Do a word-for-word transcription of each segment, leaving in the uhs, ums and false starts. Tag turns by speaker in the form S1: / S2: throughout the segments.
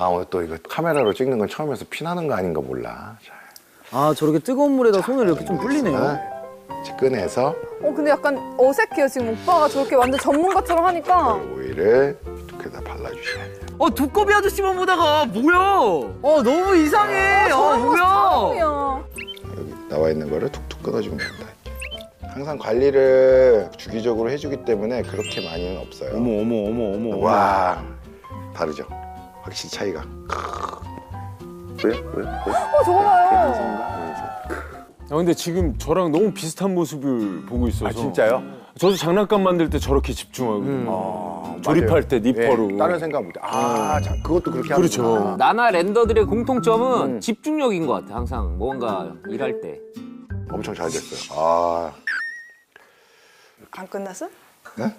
S1: 아 오늘 또 이거 카메라로 찍는 건 처음이어서 피나는 거 아닌가 몰라. 자,
S2: 아 저렇게 뜨거운 물에다 손을 이렇게 좀 불리네요.
S1: 이제 꺼내서
S3: 어 근데 약간 어색해요. 지금 오빠가 저렇게 완전 전문가처럼 하니까.
S1: 오일을 두께다 발라주셔야 돼요.
S2: 어 두꺼비 아저씨만 보다가 뭐야? 어 너무 이상해. 어 뭐야?
S3: 처음이야.
S1: 여기 나와 있는 거를 툭툭 끊어주면 된다. 항상 관리를 주기적으로 해주기 때문에 그렇게 많이는 없어요.
S4: 어머 어머 어머 어머.
S1: 와 다르죠? 확실히 차이가. 왜? 왜? 왜?
S3: 어 저거 봐요.
S4: 아 근데 지금 저랑 너무 비슷한 모습을 보고 있어서.
S1: 아 진짜요?
S4: 저도 장난감 만들 때 저렇게 집중하거든요.
S1: 아,
S4: 조립할 때 니퍼로.
S1: 예, 다른 생각 못 해. 아, 자, 그것도 그렇게
S4: 그렇죠.
S1: 하는구나.
S5: 나나 랜더들의 공통점은
S1: 음.
S5: 집중력인 것 같아. 항상 뭔가 일할 때.
S1: 엄청 잘 됐어요. 아,
S6: 안 끝났어?
S1: 네?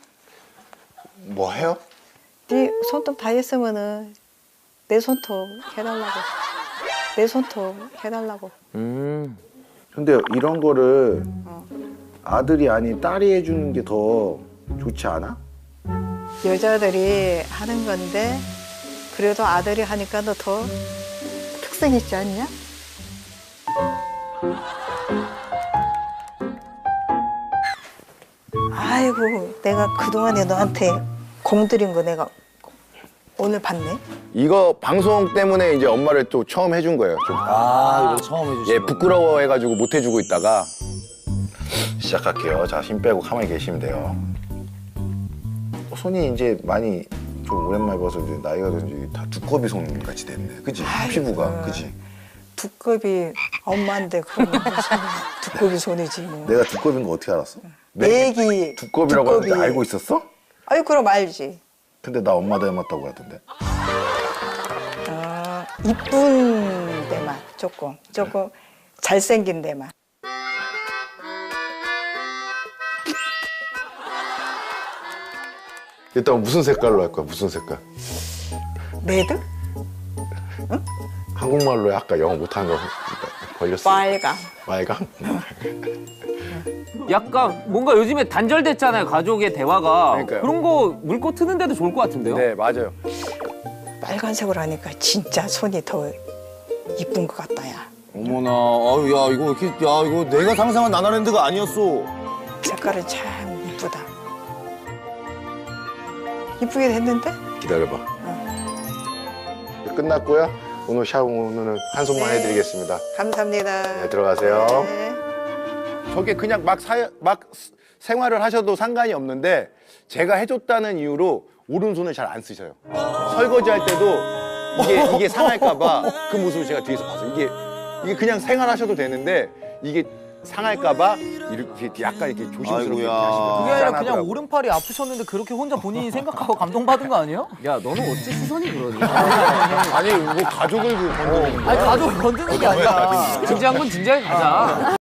S1: 뭐 해요?
S6: 네 손톱 다 했으면은 내 손톱 해달라고. 내 손톱 해달라고.
S5: 음.
S1: 근데 이런 거를 아들이 아닌 딸이 해주는 게 더 좋지 않아?
S6: 여자들이 하는 건데 그래도 아들이 하니까 너 더 특색 있지 않냐? 아이고 내가 그동안에 너한테 공들인 거 내가 오늘 봤네.
S1: 이거 방송 때문에 이제 엄마를 또 처음 해준 거예요. 좀.
S2: 아 이거 처음 해주신
S1: 예, 부끄러워해가지고 못 해주고 있다가 시작할게요. 자, 힘 빼고 가만히 계시면 돼요. 손이 이제 많이 좀 오랜만에 봐서 이제 나이가 든지 다 두꺼비 손 같이 됐네. 그치? 피부가, 그치?
S6: 두꺼비 엄마인데 그럼 무슨 두꺼비 손이지 뭐.
S1: 내가 두꺼비인 거 어떻게 알았어?
S6: 내 얘기
S1: 두꺼비라고
S6: 두꺼비.
S1: 하는데 알고 있었어?
S6: 아유 그럼 알지.
S1: 근데 나 엄마 닮았다고 하던데.
S6: 어, 이쁜 데만 조금 조금 잘생긴 데만.
S1: 일단 무슨 색깔로 할 거야? 무슨 색깔?
S6: 레드?
S1: 한국말로 아까 영어 못하는 거 걸렸어.
S6: 빨강.
S1: 빨강?
S5: 약간 뭔가 요즘에 단절됐잖아요. 가족의 대화가.
S1: 그러니까요.
S5: 그런 거 물고 트는 데도 좋을 것 같은데요.
S1: 네, 맞아요.
S6: 빨간색으로 하니까 진짜 손이 더 이쁜 것 같다 야.
S2: 어머나, 아유 야 이거 이렇게 야 이거 내가 상상한 나나랜드가 아니었어.
S6: 색깔은 참 이쁘다. 이쁘게 됐는데?
S1: 기다려봐. 끝났고요. 오늘 샤워는 한 손만
S6: 네.
S1: 해드리겠습니다.
S6: 감사합니다.
S1: 네, 들어가세요.
S6: 네.
S1: 저게 그냥 막, 사, 막 생활을 하셔도 상관이 없는데 제가 해줬다는 이유로 오른손을 잘 안 쓰셔요. 설거지 할 때도 이게, 이게 상할까봐 그 모습을 제가 뒤에서 봤어요. 이게, 이게 그냥 생활하셔도 되는데 이게 상할까봐 이렇게 약간 이렇게 조심스럽게
S2: 아이고야.
S1: 하시더라고요.
S2: 그게
S7: 아니라 그냥
S1: 짠하더라고요.
S7: 오른팔이 아프셨는데 그렇게 혼자 본인이 생각하고 감동받은 거 아니에요?
S5: 야, 너는 어찌 시선이 그러니?
S1: 아니 뭐 가족을 건드리는
S7: 아니 가족 건드는 게 아니라
S5: 진지한 건 진지하게 가자.